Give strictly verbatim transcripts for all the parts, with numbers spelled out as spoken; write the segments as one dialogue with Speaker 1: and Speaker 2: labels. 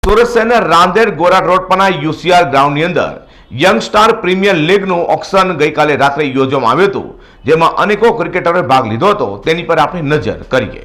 Speaker 1: સુરત શહેરના રાંદેર ગોરા રોડ પરના યુસીઆર ગ્રાઉન્ડની અંદર યંગ સ્ટાર પ્રીમિયર લીગનું ઓક્શન ગઈકાલે રાત્રે યોજવામાં આવ્યું હતું, જેમાં અનેકો ક્રિકેટરોએ ભાગ લીધો હતો. તેની પર આપણે નજર કરીએ.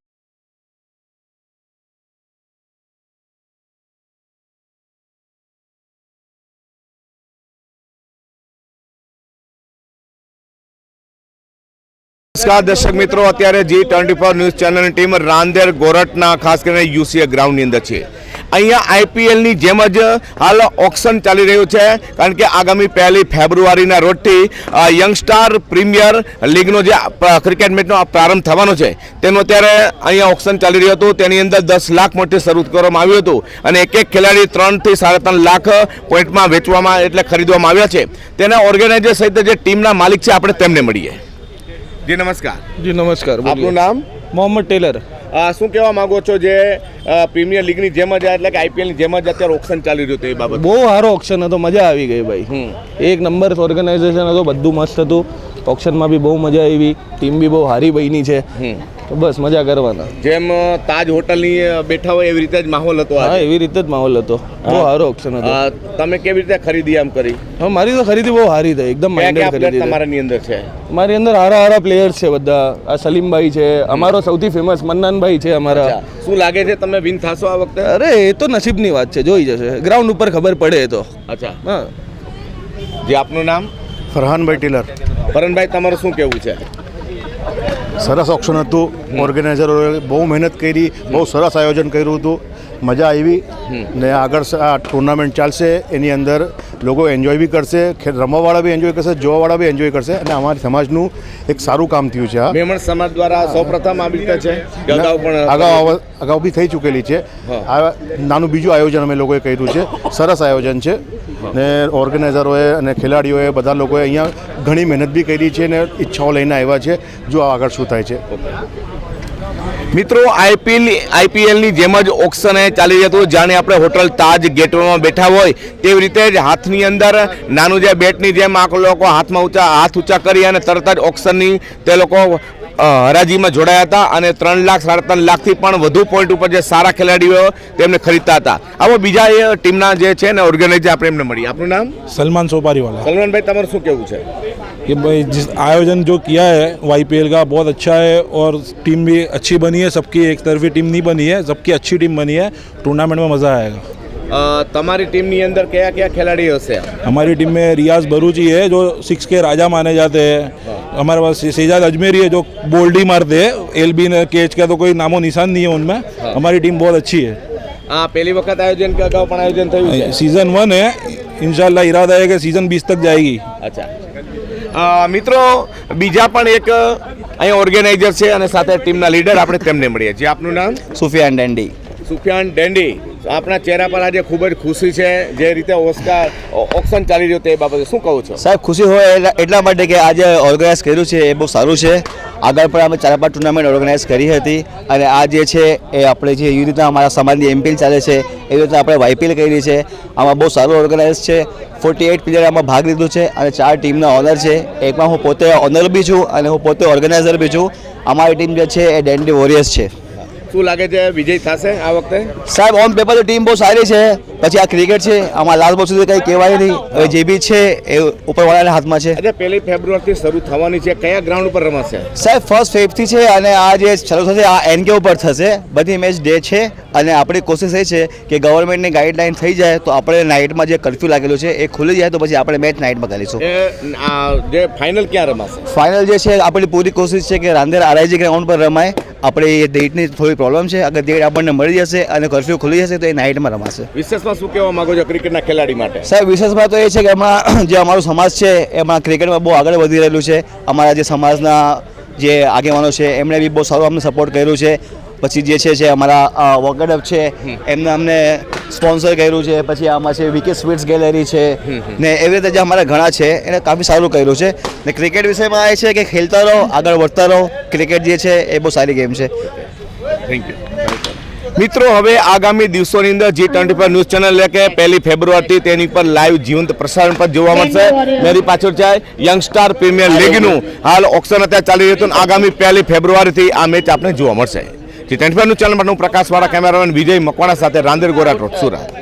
Speaker 1: નમસ્કાર દર્શક મિત્રો, અત્યારે જી ટ્વેન્ટી ફોર ન્યૂઝ ચેનલની ટીમ રાંદેર ગોરટના ખાસ કરીને યુસીઆર ગ્રાઉન્ડની અંદર છે. અહીંયા આઈપીએલની જેમ જ હાલ ઓક્શન ચાલી રહ્યું છે, કારણ કે આગામી પહેલી ફેબ્રુઆરીના રોજથી યંગસ્ટાર પ્રીમિયર લીગનો જે ક્રિકેટ મેચનો પ્રારંભ થવાનો છે તેનો અત્યારે અહીંયા ઓક્શન ચાલી રહ્યું હતું. તેની અંદર દસ લાખ મોટી શરૂ કરવામાં આવ્યું હતું અને એક એક ખેલાડી ત્રણથી સાડા ત્રણ લાખ પોઈન્ટમાં વેચવામાં એટલે ખરીદવામાં આવ્યા છે. તેના ઓર્ગેનાઇઝર સહિત જે ટીમના માલિક છે આપણે તેમને મળીએ. જી નમસ્કાર.
Speaker 2: જી નમસ્કાર.
Speaker 1: આપનું નામ?
Speaker 2: મોહમ્મદ ટેલર.
Speaker 1: શું કહેવા માંગો છો જે પ્રીમિયર લીગની જેમ જ એટલે કે આઈપીએલની જેમ જ અત્યારે ઓક્શન ચાલી રહ્યું હતું એ બાબત?
Speaker 2: બહુ સારો ઓક્શન હતો, મજા આવી ગઈ ભાઈ. એક નંબર ઓર્ગેનાઇઝેશન હતો, બધું મસ્ત હતું. ઓક્શનમાં બી બહુ મજા આવી, ટીમ બી બહુ સારી બની છે, તો બસ મજા કરવાના.
Speaker 1: જેમ તાજ હોટલની બેઠા હોય એવી રીતે જ માહોલ હતો?
Speaker 2: હા, એવી રીતે જ માહોલ હતો. બહુ સારો ઓક્શન હતો.
Speaker 1: તમે કેવી રીતે ખરીદી આમ કરી?
Speaker 2: હા, મારી તો ખરીદી બહુ સારી થઈ, એકદમ માઇન્ડેડ ખરીદી.
Speaker 1: તમારાની અંદર છે?
Speaker 2: મારી અંદર સારા સારા પ્લેયર્સ છે બધા. આ સલીમભાઈ છે, અમારો સૌથી ફેમસ મન્નાનભાઈ છે અમારા.
Speaker 1: શું લાગે છે તમે વિન થશો આ વખતે?
Speaker 2: અરે એ તો નસીબની વાત છે, જોઈ જશે, ગ્રાઉન્ડ ઉપર ખબર પડે તો.
Speaker 1: અચ્છા.
Speaker 2: હા.
Speaker 1: જે આપનું નામ?
Speaker 3: ફરહાનભાઈ ટેલર.
Speaker 1: ફરહાનભાઈ, તમારું શું કહેવું છે?
Speaker 3: સરસ ઓક્શન હતું, ઓર્ગેનાઇઝરોએ બહુ મહેનત કરી, બહુ સરસ આયોજન કર્યું હતું, મજા આવી. ને આગળ આ ટુર્નામેન્ટ ચાલશે, એની અંદર લોકો એન્જોય બી કરશે, રમવાવાળા બી એન્જોય કરશે, જોવાવાળા બી એન્જોય કરશે, અને અમારી સમાજનું એક સારું કામ થયું છે. આ
Speaker 1: મેમણ સમાજ દ્વારા સૌપ્રથમ આવી રીતે છે, અગાઉ પણ
Speaker 3: અગાઉ અગાઉ બી થઈ ચૂકેલી છે. આ નાનું બીજું આયોજન અમે લોકોએ કર્યું છે, સરસ આયોજન છે. ને ઓર્ગેનાઇઝરોએ અને ખેલાડીઓએ બધા લોકોએ અહીંયા ઘણી મહેનત બી કરી છે ને ઈચ્છાઓ લઈને આવ્યા છે. જો આગળ શું થાય છે.
Speaker 1: મિત્રો, આઈપીએલ આઈપીએલની જેમ જ ઓક્શન ચાલી જતું, જાણે આપણે હોટલ તાજ ગેટવેમાં બેઠા હોય તેવી રીતે જ હાથની અંદર નાનું જે બેટની જેમ આ લોકો હાથમાં ઊંચા હાથ ઊંચા કરી અને તરત જ ઓક્શનની તે લોકો હરાજીમાં જોડાયા હતા અને ત્રણ લાખ સાડા ત્રણ લાખથી પણ વધુ પોઈન્ટ ઉપર જે સારા ખેલાડીઓ તેમને ખરીદતા હતા. આવો બીજા એ ટીમના જે છે ને ઓર્ગેનાઇઝર આપણે એમને મળી. આપનું નામ?
Speaker 4: सलमान सोपारी वाला.
Speaker 1: સલમાનભાઈ, તમારું શું કહેવું છે?
Speaker 4: कि भाई जिस आयोजन जो किया है वो आईपीएल का बहुत अच्छा है और टीम भी अच्छी बनी है. सबकी एक तरफी टीम नहीं बनी है, सबकी अच्छी टीम बनी है. टूर्नामेंट में मज़ा आएगा.
Speaker 1: તમારી ટીમની અંદર કયા કયા ખેલાડીઓ હશે?
Speaker 4: हमारी टीम में रियाज बरूची है जो सिक्स के राजा माने जाते हैं. हमारे पास सेजाद अजमेरी है जो बोल्ड ही मारते हैं. एल बी ने केच का तो कोई नामो निशान नहीं है उनमें. हमारी टीम बहुत अच्छी है.
Speaker 1: આ પહેલી વખત આયોજન કે અગાઉ પણ આયોજન થયું છે?
Speaker 4: सीजन वन है, इंशाल्लाह इरादा है कि सीजन बीस तक जाएगी.
Speaker 1: અચ્છા. મિત્રો, બીજા પણ એક અહીંયા ઓર્ગેનાઇઝર છે અને સાથે ટીમના લીડર, આપણે તેમને મળીએ છીએ. આપનું નામ?
Speaker 5: સુફિયાન ડેન્ડી.
Speaker 1: સુફિયાન ડેન્ડી, આપણા ચહેરા પર આજે ખૂબ જ ખુશી છે જે રીતે ઓસ્કાર ઓક્શન ચાલી રહ્યું તે બાબતે શું કહું છો?
Speaker 5: સાહેબ, ખુશી હોય એટલા માટે કે આજે ઓર્ગેનાઇઝ કર્યું છે એ બહુ સારું છે. આગળ પણ અમે ચાર પાંચ ટુર્નામેન્ટ ઓર્ગેનાઇઝ કરી હતી અને આ જે છે એ આપણે જે એવી રીતના અમારા સમાજની એમપીએલ ચાલે છે એવી રીતના આપણે વાયપીએલ કરી છે. આમાં બહુ સારું ઓર્ગેનાઇઝ છે. ફોર્ટી એઇટ પ્લેયર આમાં ભાગ લીધું છે અને ચાર ટીમના ઓનર છે. એકમાં હું પોતે ઓનર બી છું અને હું પોતે ઓર્ગેનાઇઝર બી છું. અમારી ટીમ જે છે એ ડેન્ડી વોરિયર્સ છે.
Speaker 1: શું લાગે છે વિજય થશે આ વખતે?
Speaker 5: સાહેબ, ઓન પેપર તો ટીમ બહુ સારી છે, પછી આ ક્રિકેટ છે, આમાં લાસ્ટ બોલ સુધી કંઈ કહેવાય નહીં. હવે જે બી છે એ ઉપરવાળાના હાથમાં છે.
Speaker 1: આજે પહેલી ફેબ્રુઆરીથી શરૂ થવાની છે, કયા ગ્રાઉન્ડ ઉપર રમાશે?
Speaker 5: સાહેબ, ફર્સ્ટ ફેબ્રુઆરીથી છે અને આ જે શરૂ થશે આ એનકે ઉપર થશે. બધી મેચ ડે છે અને આપણી કોશિશ એ છે કે ગવર્મેન્ટની ગાઈડલાઈન થઈ જાય તો આપણે નાઇટમાં જે કર્ફ્યુ લાગેલું છે એ ખુલી જાય તો પછી આપણે મેચ નાઇટમાં કરીશું.
Speaker 1: જે ફાઇનલ ક્યાં રમાશે?
Speaker 5: ફાઇનલ જે છે આપણી પૂરી કોશિશ છે કે રાંદેર આરઆઈજી ગ્રાઉન્ડ પર રમાય. આપણે એ ડેટની થોડી પ્રોબ્લેમ છે, અગર ડેટ આપણને મળી જશે અને કર્ફ્યુ ખુલી જશે તો એ નાઇટમાં રમાશે.
Speaker 1: વિશેષમાં શું કહેવા માંગો છો ક્રિકેટના ખેલાડી માટે?
Speaker 5: સાહેબ, વિશેષમાં તો એ છે કે હમણાં જે અમારો સમાજ છે એમાં ક્રિકેટમાં બહુ આગળ વધી રહેલું છે. અમારા જે સમાજના જે આગેવાનો છે એમણે બી બહુ સારું અમને સપોર્ટ કર્યું છે. પછી જે છે છે અમારા વોકેડઅપ છે એમને અમને સ્પોન્સર કર્યું છે. પછી આમાં છે વીકે સ્વીટ્સ ગેલેરી છે ને એવી રીતે જે અમારા ઘણા છે એને કાફી સારું કર્યું છે. ને ક્રિકેટ વિષયમાં એ છે કે ખેલતા રહો, આગળ વધતા રહો. ક્રિકેટ જે છે એ બહુ સારી ગેમ છે.
Speaker 1: Thank you. મિત્રો, હવે આગામી દિવસોની અંદર G twenty four news channel એટલે કે પહેલી ફેબ્રુઆરીથી તેની પર લાઈવ જીવંત પ્રસારણ પર જોવા મળશે. મેરી પાછળ છે યંગસ્ટાર પ્રીમિયર લીગનું હાલ ઓક્શન અત્યારે ચાલી રહ્યું હતું. આગામી પહેલી ફેબ્રુઆરીથી આ મેચ આપણે જોવા મળશે. જે ટ્વેન્ટી ફોર ન્યૂઝ ચેનલ માટે હું પ્રકાશવાળા કેમેરામેન વિજય મકવાણા સાથે રાંદેર ગોરાટ રોડ સુરત.